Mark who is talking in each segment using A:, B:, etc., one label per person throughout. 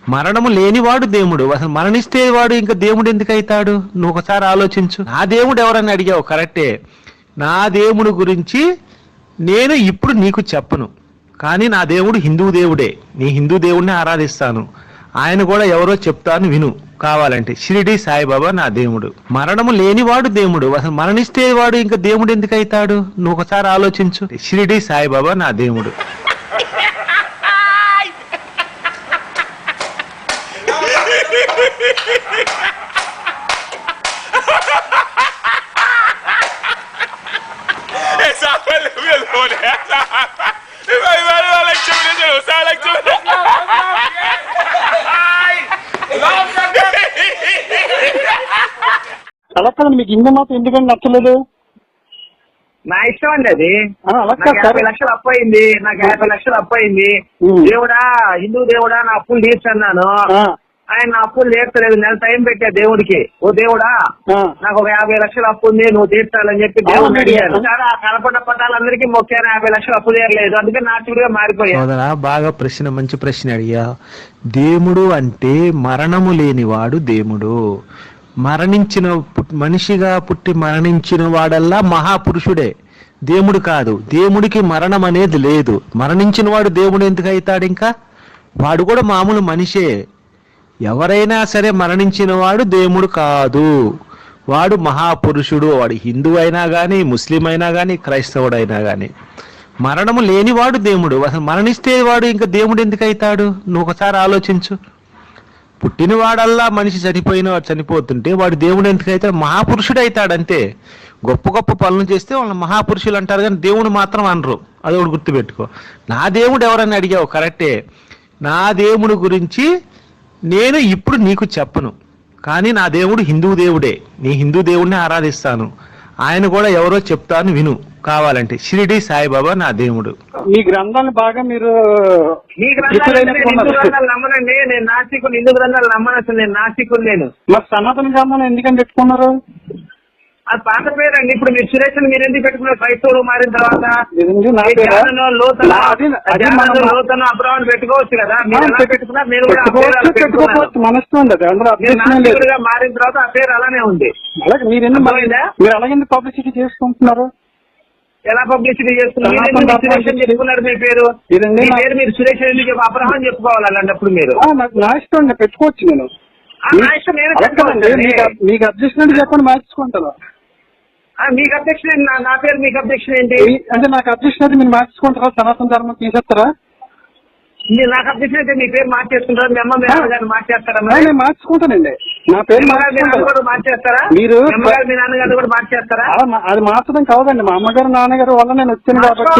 A: మరణము లేనివాడు దేవుడు. అసలు మరణిస్తే వాడు ఇంకా దేవుడు ఎందుకు అవుతాడు? నువ్వు ఒకసారి ఆలోచించు. నా దేవుడు ఎవరని అడిగావు, కరెక్టే. నా దేవుడు గురించి నేను ఇప్పుడు నీకు చెప్పను, కానీ నా దేవుడు హిందూ దేవుడే. నీ హిందూ దేవుడిని ఆరాధిస్తాను. ఆయన కూడా ఎవరో చెప్తాను, విను కావాలంటే. షిరిడి సాయిబాబా నా దేవుడు. మరణము లేనివాడు దేవుడు. అసలు మరణిస్తే వాడు ఇంకా దేవుడు ఎందుకు అవుతాడు? నువ్వు ఒకసారి ఆలోచించు. షిరిడి సాయిబాబా నా దేవుడు.
B: Esa fue el violón.
C: అలా కాదు, మీకు హిందూ మాత్రం ఎందుకని నచ్చలేదు?
D: నా ఇష్టం అండి అది.
C: అలా
D: నాకు 50 లక్షలు అప్పు అయింది. నాకు 50 లక్షలు అప్పు అయింది. దేవుడా, హిందూ దేవుడా, నా అప్పులు తీర్చన్నాను. ఆయన నా అప్పులు తీర్చలేదు. నెల టైం పెట్టా దేవుడికి. ఓ దేవుడా, నాకు ఒక 50 లక్షలు అప్పు ఉంది, నువ్వు తీర్చాలని చెప్పి దేవుడిని అడిగాను. ఆ కనపడ్డ పట్టాలందరికీ మొక్కాను, 50 లక్షలు అప్పు తీరలేదు. అందుకే నాచుడుగా మారిపోయాను.
A: బాగా ప్రశ్న, మంచి ప్రశ్న అడిగా. దేవుడు అంటే మరణము లేనివాడు దేవుడు. మరణించిన మనిషిగా పుట్టి మరణించిన వాడల్లా మహాపురుషుడే, దేవుడు కాదు. దేవుడికి మరణం అనేది లేదు. మరణించిన వాడు దేవుడు ఎందుకు అవుతాడు? ఇంకా వాడు కూడా మామూలు మనిషే. ఎవరైనా సరే మరణించిన వాడు దేవుడు కాదు, వాడు మహాపురుషుడు. వాడు హిందూ అయినా కానీ, ముస్లిం అయినా కానీ, క్రైస్తవుడైనా కానీ. మరణము లేనివాడు దేవుడు. అసలు మరణిస్తే వాడు ఇంకా దేవుడు ఎందుకు అవుతాడు? నువ్వు ఒకసారి ఆలోచించు. పుట్టినవాడల్లా మనిషి చనిపోతుంటే వాడు దేవుడు ఎందుకు అవుతాడు? మహాపురుషుడు అవుతాడు అంతే. గొప్ప గొప్ప పనులు చేస్తే వాళ్ళని మహాపురుషులు అంటారు, కానీ దేవుడు మాత్రం అనరు. అది ఒకటి గుర్తుపెట్టుకో. నా దేవుడు ఎవరని అడిగావు, కరెక్టే. నా దేవుడు గురించి నేను ఇప్పుడు నీకు చెప్పను, కానీ నా దేవుడు హిందూ దేవుడే. నీ హిందూ దేవుడిని ఆరాధిస్తాను. ఆయన కూడా ఎవరో చెప్తాను, విను కావాలంటే. షిరిడి సాయిబాబా నా దేవుడు.
C: మీ గ్రంథాలు బాగా మీరు
D: మీ గ్రంథాలు నమ్మనండి. నేను నాస్తికుని. హిందూ గ్రంథాలు నమ్మను. అసలు నేను నాస్తికుని. నేను
C: మరి సనాతన గ్రంథాలు ఎందుకని పెట్టుకున్నారు?
D: అది పాత పేరండి. ఇప్పుడు మీరు సురేష్ మీరు ఎందుకు పెట్టుకున్నారు? క్రైస్తవులు మారిన తర్వాత లోతను అబ్రాహ్మణ్ పెట్టుకోవచ్చు కదా. మీరు ఎలా పెట్టుకున్నారు? నేను కూడా మారిన తర్వాత ఆ పేరు అలానే ఉంది.
C: మీరు అలాగే పబ్లిసిటీ చేసుకుంటున్నారు.
D: ఎలా పబ్లిసిటీ చేస్తున్నారు? సురేష్ చెప్పుకున్నారు మీ పేరు. మీరు సురేష్ ఎందుకు అబ్రహాం చెప్పుకోవాలి అలాంటప్పుడు? మీరు
C: నా ఇష్టం పెట్టుకోవచ్చు. నేను మీకు అబ్జెక్షన్ చెప్పండి, మార్చుకుంటాను.
D: మీకు అబ్జెక్షన్ నా పేరు. మీకు అబ్జెక్షన్ ఏంటి?
C: అంటే నాకు అబ్జెక్షన్ అయితే మీరు మార్చుకుంటారా? సనాతన ధర్మం తీసేస్తారా?
D: నాకు అబ్జెక్షన్ అయితే మీ పేరు మార్చేసుకుంటారా? మీ అమ్మ గారిని మార్చేస్తారా?
C: నేను మార్చుకుంటానండి. నా పేరు
D: మార్చేస్తారా?
C: మీరు
D: మీ నాన్నగారు కూడా మార్చేస్తారా?
C: అది మార్చడం కాదండి. మా అమ్మగారు నాన్నగారు వల్ల నేను వచ్చాను కాబట్టి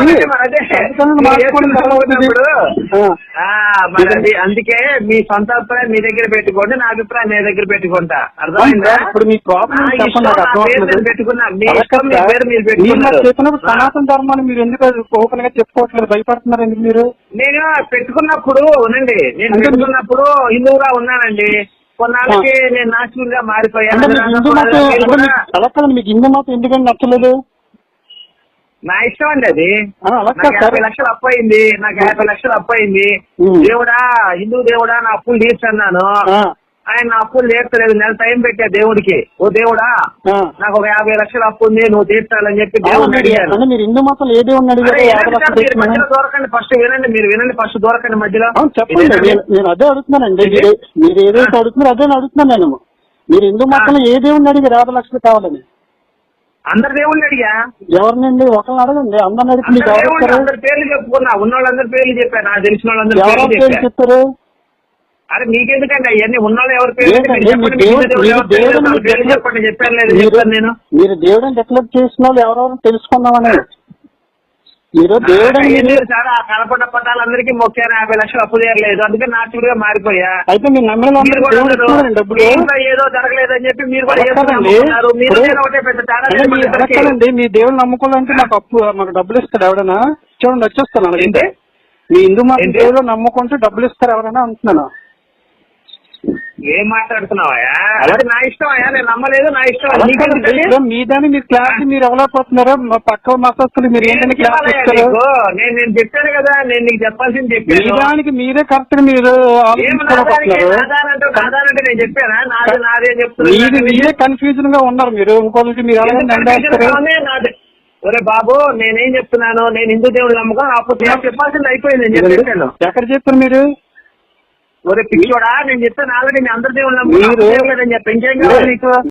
D: అందుకే మీ సొంత అభిప్రాయం మీ దగ్గర పెట్టుకోండి, నా అభిప్రాయం మీ దగ్గర పెట్టుకుంటా. అర్థమైందా?
C: ఇప్పుడు మీ ప్రాబ్లం
D: పెట్టుకున్నా.
C: చెప్పినప్పుడు సనాతన ధర్మాన్ని మీరు ఎందుకు ఓపెన్ గా చెప్పుకోవట్లేదు? భయపడుతున్నారు ఎందుకు మీరు?
D: నేను పెట్టుకున్నప్పుడు ఉనండి. నేను పెట్టుకున్నప్పుడు హిందువుగా ఉన్నానండి. కొన్నాళ్ళకి నేను నాస్తికుడిగా మారిపోయాను.
C: మీకు హిందూ మాత్రం ఎందుకని నచ్చలేదు?
D: నా ఇష్టం అండి అది. నాకు 50 లక్షలు అప్పు అయింది. నాకు 50 లక్షలు అప్పు అయింది. దేవుడా, హిందూ దేవుడా, నా అప్పులు తీర్చన్నాను. ఆయన నా అప్పులు తీర్చలేదు. నెల టైం పెట్టా దేవుడికి. ఓ దేవుడా, నాకు ఒక 50 లక్షలు అప్పు ఉంది, నువ్వు తీర్చాలని చెప్పి దేవుడిని అడిగాను.
C: మీరు హిందూ మాత్రం ఏ దేవుడిని అడిగారు?
D: మధ్యలో దూరకండి. ఫస్ట్ వినండి. మీరు వినండి. ఫస్ట్ దూరకండి మధ్యలో.
C: చెప్పండి. నేను అదే అడుగుతున్నానండి. మీరు ఏదైతే అడుగుతున్నారు అదే అడుగుతున్నాను నేను. మీరు హిందూ మాత్రం ఏ దేవుడిని అడిగారు 50 లక్షలు కావాలని?
D: అందరి దేవుడిని అడిగా.
C: ఎవరినండి? ఒకరిని అడగండి. అందరిని అడిగి
D: అందరి పేర్లు చెప్పుకున్నా. ఉన్న వాళ్ళందరి పేర్లు చెప్పాను. నాకు తెలిసిన వాళ్ళందరూ
C: చెప్తారు.
D: అరే మీకెందుకండి అవన్నీ? ఉన్నవాళ్ళు ఎవరి పేరు చెప్పండి. చెప్పాను లేదు నేను.
C: మీరు దేవుడిని డెక్లేర్ చేసిన వాళ్ళు ఎవరెవరు తెలుసుకున్నామని. మీరు దేవుడు
D: చాలా కనపడ్డ పట్టాలందరికీ మొక్కాను, 50 లక్షలు అప్పు తీరలేదు. అందుకే నాచుడుగా మారిపోయా.
C: అయితే మీరు నమ్మిన
D: ఏదో జరగలేదని చెప్పి మీరు కూడా
C: అడగండి. మీ దేవుడు నమ్ముకోవాలంటే మాకు డబ్బులు ఇస్తాడు ఎవడైనా? చూడండి వచ్చేస్తాను. అంటే మీ హిందూ మాత్రం దేవుడు నమ్ముకుంటే డబ్బులు ఇస్తారు ఎవరైనా అంటున్నాను.
D: ఏం మాట్లాడుతున్నావా? అది నా ఇష్టం అయ్యా, నేను నమ్మలేదు, నా ఇష్టం.
C: ఇప్పుడు మీ దాన్ని మీరు క్లాస్ మీరు ఎవరైపోతున్నారో మా పక్క మతస్థులు మీరు ఏంటంటే క్లాస్ ఇస్తారు.
D: నేను చెప్పాను కదా, నేను నీకు చెప్పాల్సింది
C: మీ
D: చెప్పాను.
C: దానికి మీరే కరెక్ట్ మీరు
D: ఆధారంటే నేను చెప్పానా? నాదే చెప్తున్నా.
C: మీరే కన్ఫ్యూజన్ గా ఉన్నారు మీరు. ఇంకొకరికి మీరు ఎలా
D: ఒరే బాబు, నేనేం చెప్తున్నాను, నేను హిందూ దేవుడు నమ్మకం. అప్పుడు చెప్పాల్సింది అయిపోయింది, నేను చెప్పాను.
C: ఎక్కడ చెప్పారు మీరు?
D: ఒరే పిచ్చోడా, నేను చెప్తాను ఆల్రెడీ, నేను అందరి దేవుడు నమ్మకం. చెప్పి ఇంకేం కావాలి నీకు?